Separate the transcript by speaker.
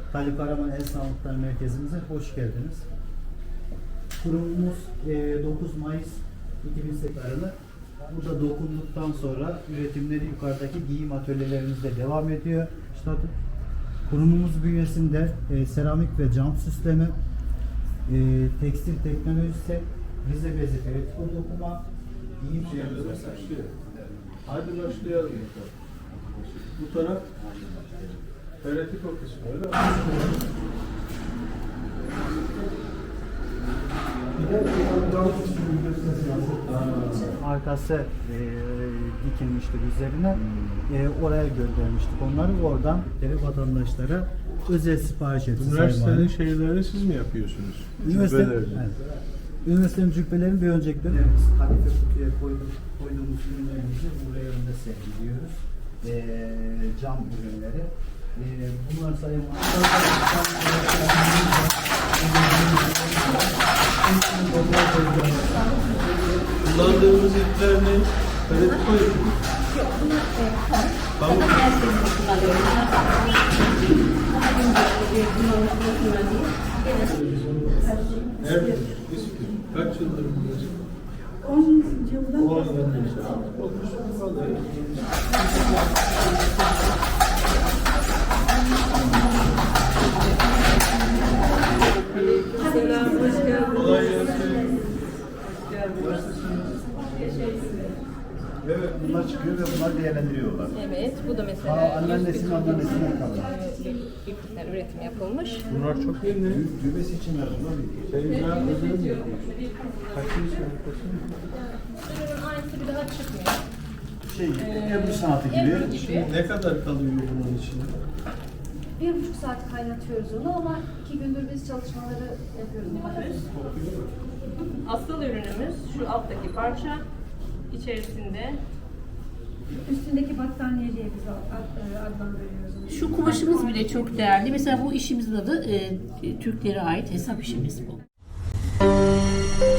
Speaker 1: Talip Karaman El Sanatları Merkezimize hoş geldiniz. Kurumumuz 9 Mayıs 2008 tarihli. Burada dokunduktan sonra üretimleri yukarıdaki giyim atölyelerimizde devam ediyor. İşte kurumumuz bünyesinde seramik ve cam süsleme, tekstil teknolojisi, Rize bezi, feritiko dokuma, giyim şeylerimiz var.
Speaker 2: Hadi başlayalım. Bu taraf feritiko kısmı öyle mi?
Speaker 1: Arkası dikilmişti üzerine. Oraya göndermiştik onları. Oradan vatandaşlara özel sipariş etti.
Speaker 2: Üniversitenin şeylerini siz mi yapıyorsunuz?
Speaker 1: Üniversitenin cübbelerini bir öncelikle biz kadife kutuya koyduğumuz ürünlerimizi buraya önünde sergiliyoruz. Cam ürünleri. Bunlar sayın
Speaker 2: kullandığımız ipler ne? Feritiko ip.
Speaker 3: Yok, bunlar pamuk. Her şeyini kullanıyorum.
Speaker 2: Evet. Kaç yıldır buradasın?
Speaker 3: 10 yıldan
Speaker 2: 10 yıldır.
Speaker 3: Selam, hoş geldiniz.
Speaker 2: Kolay gelsin.
Speaker 1: evet, bunlar çıkıyor ve bunlar değerlendiriyorlar.
Speaker 4: Evet, bu da mesela
Speaker 1: Anneannesinin anneannesinden kalıyor.
Speaker 4: iplikten üretim yapılmış.
Speaker 2: Bunlar çok yeni.
Speaker 1: Düğmesi için bunlar
Speaker 2: Teyze özel mi yapıyorsun? Kaçıncı sınıftasın?
Speaker 4: Ürünün aynısı bir daha çıkmıyor.
Speaker 1: Ebru sanatı gibi.
Speaker 4: Ebru gibi.
Speaker 2: Ne kadar kalıyor bunun içinde?
Speaker 5: 1,5 saat kaynatıyoruz onu ama 2 gündür biz çalışmaları yapıyoruz.
Speaker 4: Asıl ürünümüz şu alttaki parça. İçerisinde
Speaker 5: Üstündeki battaniye diye biz adlandırıyoruz.
Speaker 3: Şu kumaşımız bile çok değerli. Mesela bu işimizin adı Türklere ait hesap işimiz bu.